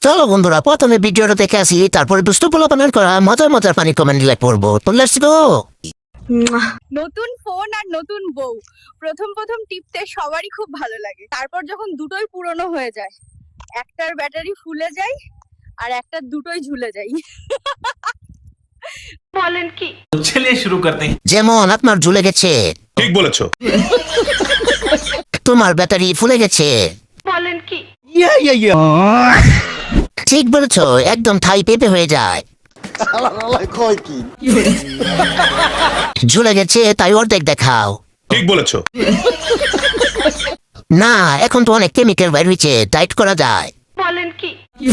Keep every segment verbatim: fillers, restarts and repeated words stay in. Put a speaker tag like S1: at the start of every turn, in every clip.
S1: চলো বন্ধুরা, প্রথমে ভিডিওটা দেখে আসি, তারপরে দুষ্ট পোলাপানের করা মজার মজার পানি কমেন্ট লাইক করবো। তো লেটস গো।
S2: নতুন ফোন আর নতুন বউ, প্রথম প্রথম টিপতে সবারই খুব ভালো লাগে। তারপর যখন দুটোই পুরনো হয়ে যায়, একটার ব্যাটারি ফুলে যায় আর একটার দুটোই ঝুলে যায়। বলেন কি?
S3: चलिए शुरू करते हैं।
S1: যেমন আপনার ঝুলে গেছে,
S4: ঠিক বলেছো।
S1: তোমার ব্যাটারি ফুলে গেছে।
S2: বলেন কি?
S1: ঠিক বলেছো, একদম থাই পেঁপে হয়ে যায়। ঝুলে গেছে তাই অর্ধেক দেখাও।
S4: ঠিক বলেছো।
S1: না, এখন তো অনেক কেমিক্যাল বাইর হয়েছে, টাইট করা যায়।
S2: বলেন কি?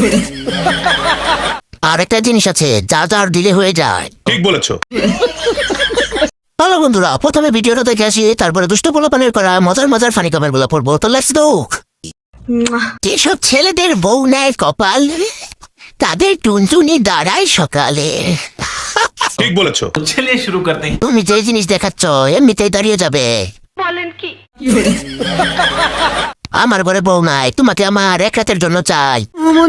S1: আর একটা জিনিস আছে, যা যার দিলে হয়ে যায়।
S4: ঠিক বলেছো।
S1: হ্যালো বন্ধুরা, প্রথমে ভিডিওটা দেখে আসি, তারপরে দুষ্ট পোলাপানের করা মজার মজার ফানি কমেন্ট গুলো পড়বো। তো লেটস গো। যেসব ছেলেদের বউ নেয় কপাল, তাদের টুনটুনি দাঁড়ায় সকালে।
S4: ঠিক বলেছো।
S3: चलिए शुरू करते हैं।
S1: তুমি যে জিনিস দেখাচ্ছ এমনিতেই দাঁড়িয়ে যাবে।
S2: বলেন কি?
S1: আমার ঘরে বউ নাই, তোমাকে আমার এক রাতের জন্য চাই।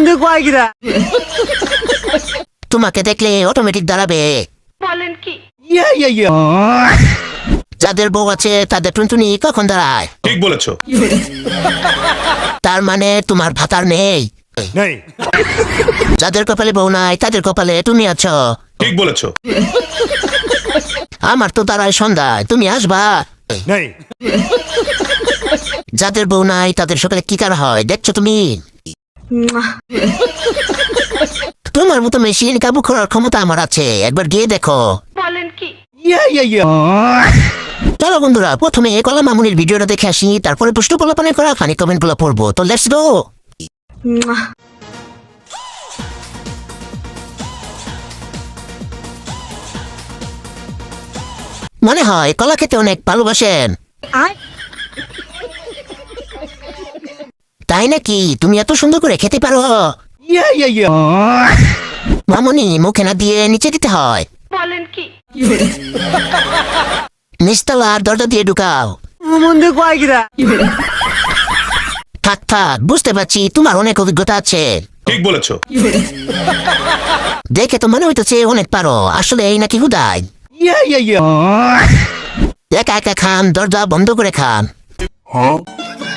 S1: তোমাকে দেখলে অটোমেটিক দাঁড়াবে।
S2: বলেন কি?
S1: যাদের বউ আছে তাদের টুনটুনি কখন দাঁড়ায়?
S4: ঠিক বলেছো।
S1: তার মানে তোমার ভাতার নেই। যাদের কপালে বউ নাই তাদের কপালে তুমি আছো।
S4: ঠিক বলেছো।
S1: আমার তো দাঁড়ায় সন্ধ্যায়, তুমি আসবা? যাদের বউ নাই তাদের সকালে কি কার হয় দেখছো তুমি? তোমার মতো মেশিন কাবু করার ক্ষমতা আমার আছে, একবার গিয়ে দেখো।
S2: বলেন কি?
S1: চলো বন্ধুরা, প্রথমে কলা মামুনির ভিডিওটা দেখে আসি, তারপরে পুষ্ট পোলাপানের করা ফানি কমেন্ট গুলো পড়বো। তো লেটস গো। মনে হয় কলা খেতে অনেক ভালোবাসেন। তাই নাকি? তুমি এত সুন্দর করে খেতে পারো? মামুনি, মুখে না দিয়ে নিচে দিতে হয়।
S2: বলেন কি?
S1: নিচতলার দরজা দিয়ে ঢুকাও। থাক থাক, বুঝতে পারছি তোমার অনেক অভিজ্ঞতা আছে।
S4: ঠিক বলেছো।
S1: দেখে তো মনে হইতেছে অনেক পারো, আসলে এই নাকি হুদাই? একা একা খান, দরজা বন্ধ করে খান।